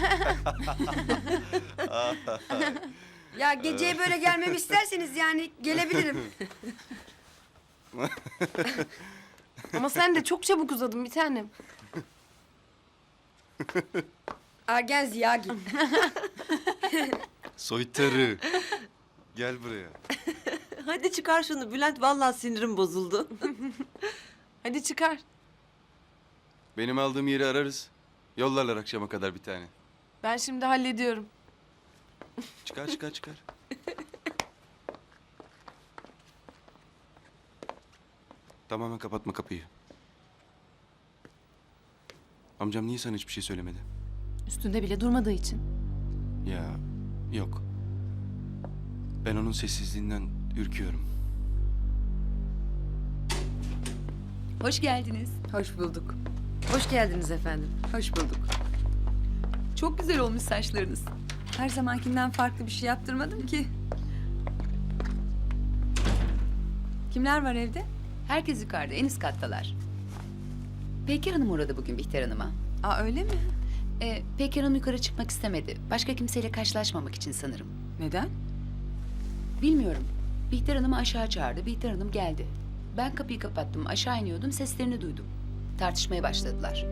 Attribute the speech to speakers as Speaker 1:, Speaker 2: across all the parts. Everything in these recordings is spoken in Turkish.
Speaker 1: Ya geceye böyle gelmemi isterseniz yani gelebilirim.
Speaker 2: Ama sen de çok çabuk uzadın bir tanem.
Speaker 1: Ergen Ziyagi.
Speaker 3: Soytarı. Gel buraya.
Speaker 4: Hadi çıkar şunu Bülent, vallahi sinirim bozuldu.
Speaker 2: Hadi çıkar.
Speaker 3: Benim aldığım yeri ararız. Yollarlar akşama kadar bir tane.
Speaker 2: Ben şimdi hallediyorum.
Speaker 3: Çıkar çıkar çıkar. Tamamen kapatma kapıyı. Amcam niye sana hiçbir şey söylemedi?
Speaker 2: Üstünde bile durmadığı için.
Speaker 3: Ya yok. Ben onun sessizliğinden ürküyorum.
Speaker 5: Hoş geldiniz.
Speaker 1: Hoş bulduk.
Speaker 5: Hoş geldiniz efendim.
Speaker 1: Hoş bulduk.
Speaker 5: Çok güzel olmuş saçlarınız. Her zamankinden farklı bir şey yaptırmadım ki. Kimler var evde?
Speaker 6: Herkes yukarıda, en üst kattalar. Peker Hanım uğradı bugün Bihter Hanım'a.
Speaker 5: Aa öyle mi?
Speaker 6: Peker Hanım yukarı çıkmak istemedi. Başka kimseyle karşılaşmamak için sanırım.
Speaker 5: Neden?
Speaker 6: Bilmiyorum. Bihter Hanım'ı aşağı çağırdı. Bihter Hanım geldi. Ben kapıyı kapattım. Aşağı iniyordum. Seslerini duydum. Tartışmaya başladılar.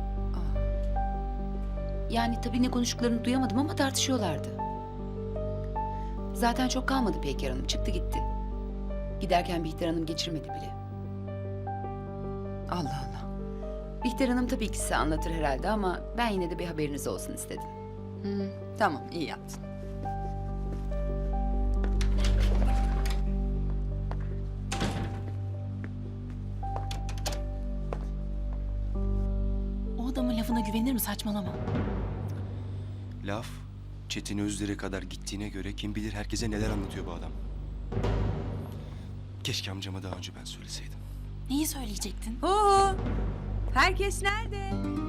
Speaker 6: Yani tabii ne konuştuklarını duyamadım ama tartışıyorlardı. Zaten çok kalmadı Peker Hanım. Çıktı gitti. Giderken Bihter Hanım geçirmedi bile.
Speaker 5: Allah Allah.
Speaker 6: Bihter Hanım tabii ki size anlatır herhalde ama ben yine de bir haberiniz olsun istedim.
Speaker 5: Tamam iyi yaptın.
Speaker 2: O adamın lafına güvenir mi, saçmalama.
Speaker 3: Laf Çetin Özder'e kadar gittiğine göre kim bilir herkese neler anlatıyor bu adam. Keşke amcama daha önce ben söyleseydim.
Speaker 2: Neyi söyleyecektin?
Speaker 5: Oo! Herkes nerede?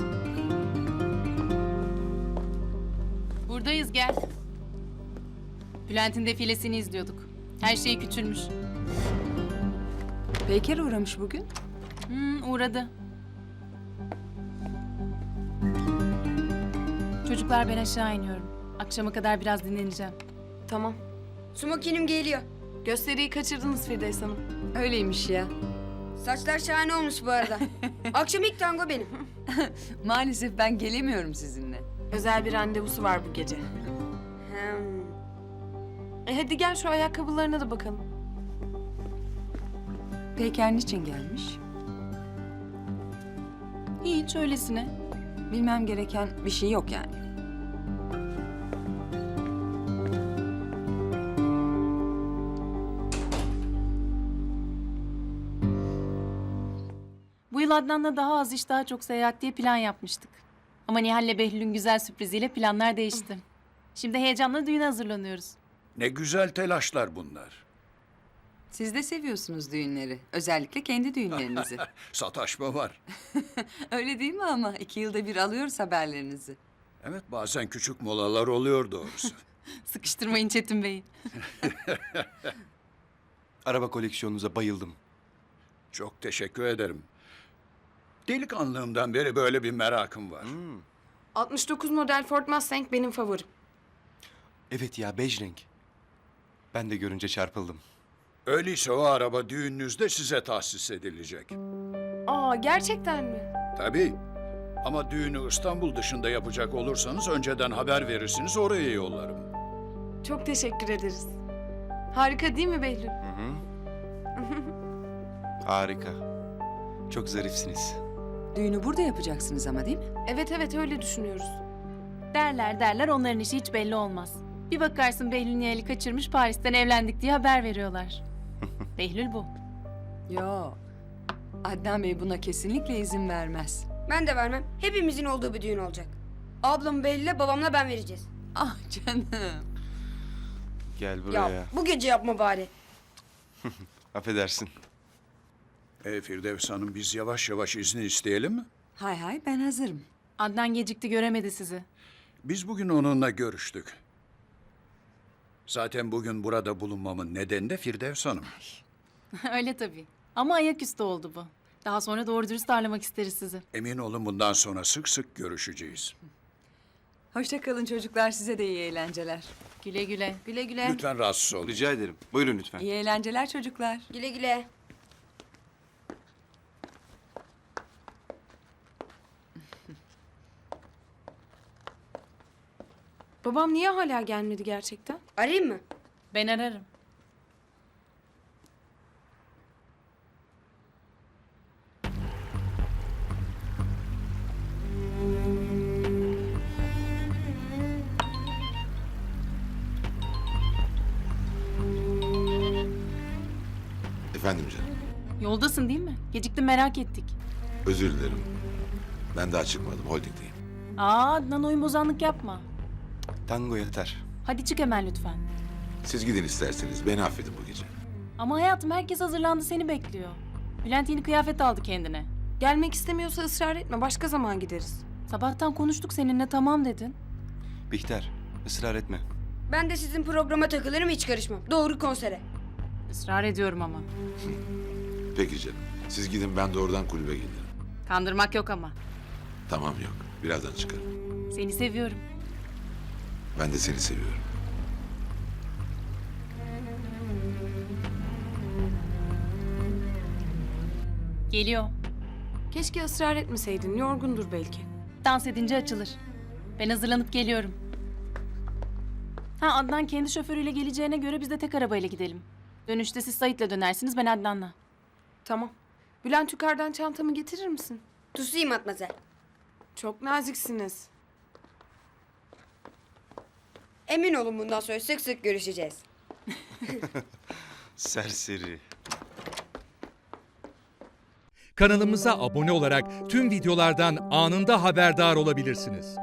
Speaker 2: Buradayız, gel. Bülent'in defilesini izliyorduk. Her şey küçülmüş.
Speaker 5: Peyker uğramış bugün.
Speaker 2: Uğradı. Çocuklar, ben aşağı iniyorum. Akşama kadar biraz dinleneceğim.
Speaker 1: Tamam. Smokinim geliyor.
Speaker 2: Gösteriyi kaçırdınız Firdevs Hanım.
Speaker 5: Öyleymiş ya.
Speaker 1: Saçlar şahane olmuş bu arada. Akşam ilk tango benim.
Speaker 5: Maalesef ben gelemiyorum sizinle.
Speaker 2: Özel bir randevusu var bu gece.
Speaker 1: Hem.
Speaker 2: Hadi gel şu ayakkabılarına da bakalım.
Speaker 5: Peyker niçin gelmiş?
Speaker 2: Hiç öylesine.
Speaker 5: Bilmem gereken bir şey yok yani.
Speaker 2: Bu yıl Adnan'la daha az iş daha çok seyahat diye plan yapmıştık. Ama Nihal'le Behlül'ün güzel sürpriziyle planlar değişti. Şimdi heyecanla düğüne hazırlanıyoruz.
Speaker 7: Ne güzel telaşlar bunlar.
Speaker 5: Siz de seviyorsunuz düğünleri. Özellikle kendi düğünlerinizi.
Speaker 7: Sataşma var.
Speaker 5: Öyle değil mi ama? 2 yılda bir alıyoruz haberlerinizi.
Speaker 7: Evet, bazen küçük molalar oluyor doğrusu.
Speaker 2: Sıkıştırmayın Çetin Bey'i.
Speaker 3: Araba koleksiyonunuza bayıldım.
Speaker 7: Çok teşekkür ederim. Delikanlığımdan beri böyle bir merakım var.
Speaker 2: 69 model Ford Mustang benim favorim.
Speaker 3: Evet ya, bej renk. Ben de görünce çarpıldım.
Speaker 7: Öyleyse o araba düğününüzde size tahsis edilecek.
Speaker 2: Aa, gerçekten mi?
Speaker 7: Tabii. Ama düğünü İstanbul dışında yapacak olursanız önceden haber verirsiniz, oraya yollarım.
Speaker 2: Çok teşekkür ederiz. Harika değil mi Behlül?
Speaker 3: Harika. Çok zarifsiniz.
Speaker 5: Düğünü burada yapacaksınız ama değil mi?
Speaker 2: Evet evet, öyle düşünüyoruz. Derler onların işi hiç belli olmaz. Bir bakarsın Behlül Nihal'i kaçırmış, Paris'ten evlendik diye haber veriyorlar. Behlül bu.
Speaker 5: Yok. Adnan Bey buna kesinlikle izin vermez.
Speaker 1: Ben de vermem. Hepimizin olduğu bir düğün olacak. Ablam Behlül'le babamla ben vereceğiz.
Speaker 5: Ah canım.
Speaker 3: Gel buraya.
Speaker 1: Ya bu gece yapma bari.
Speaker 3: Affedersin.
Speaker 7: Firdevs Hanım, biz yavaş yavaş izni isteyelim mi?
Speaker 5: Hay hay ben hazırım.
Speaker 2: Adnan gecikti, göremedi sizi.
Speaker 7: Biz bugün onunla görüştük. Zaten bugün burada bulunmamın nedeni de Firdevs Hanım.
Speaker 2: Öyle tabii. Ama ayaküstü oldu bu. Daha sonra doğru dürüst ağırlamak isteriz sizi.
Speaker 7: Emin olun bundan sonra sık sık görüşeceğiz.
Speaker 5: Hoşça kalın çocuklar, size de iyi eğlenceler.
Speaker 2: Güle güle.
Speaker 1: Güle güle.
Speaker 7: Lütfen rahatsız olun.
Speaker 3: Rica ederim. Buyurun lütfen.
Speaker 5: İyi eğlenceler çocuklar.
Speaker 1: Güle güle.
Speaker 8: Babam niye hala gelmedi gerçekten?
Speaker 1: Arayayım mı?
Speaker 2: Ben ararım.
Speaker 9: Efendim canım,
Speaker 2: Yoldasın değil mi? Geciktim merak ettik.
Speaker 9: özür dilerim. Ben daha çıkmadım, holdingdeyim.
Speaker 2: Aa Adnan oyun bozanlık yapma.
Speaker 3: Tango yeter.
Speaker 2: Hadi çık hemen lütfen.
Speaker 9: Siz gidin isterseniz, beni affedin bu gece.
Speaker 2: Ama hayatım herkes hazırlandı seni bekliyor. Bülent yeni kıyafet aldı kendine.
Speaker 8: Gelmek istemiyorsa ısrar etme. Başka zaman gideriz.
Speaker 2: Sabahtan konuştuk seninle tamam dedin.
Speaker 3: Bihter, ısrar etme.
Speaker 1: Ben de sizin programa takılırım, hiç karışmam. Doğru konsere.
Speaker 2: Israr ediyorum ama.
Speaker 9: Peki canım, siz gidin, ben doğrudan kulübe gelirim.
Speaker 2: Kandırmak yok ama.
Speaker 9: Tamam, yok, birazdan çıkarım.
Speaker 2: Seni seviyorum.
Speaker 9: Ben de seni seviyorum.
Speaker 2: Geliyor.
Speaker 8: Keşke ısrar etmeseydin. Yorgundur belki.
Speaker 2: Dans edince açılır. Ben hazırlanıp geliyorum. Ha Adnan kendi şoförüyle geleceğine göre biz de tek arabayla gidelim. Dönüşte siz Sait'le dönersiniz ben Adnan'la.
Speaker 8: Tamam. Bülent yukarıdan çantamı getirir misin?
Speaker 1: Tusayım Matmazel.
Speaker 8: Çok naziksiniz.
Speaker 1: Emin olun bundan sonra sık sık görüşeceğiz.
Speaker 3: Serseri.
Speaker 10: Kanalımıza abone olarak tüm videolardan anında haberdar olabilirsiniz.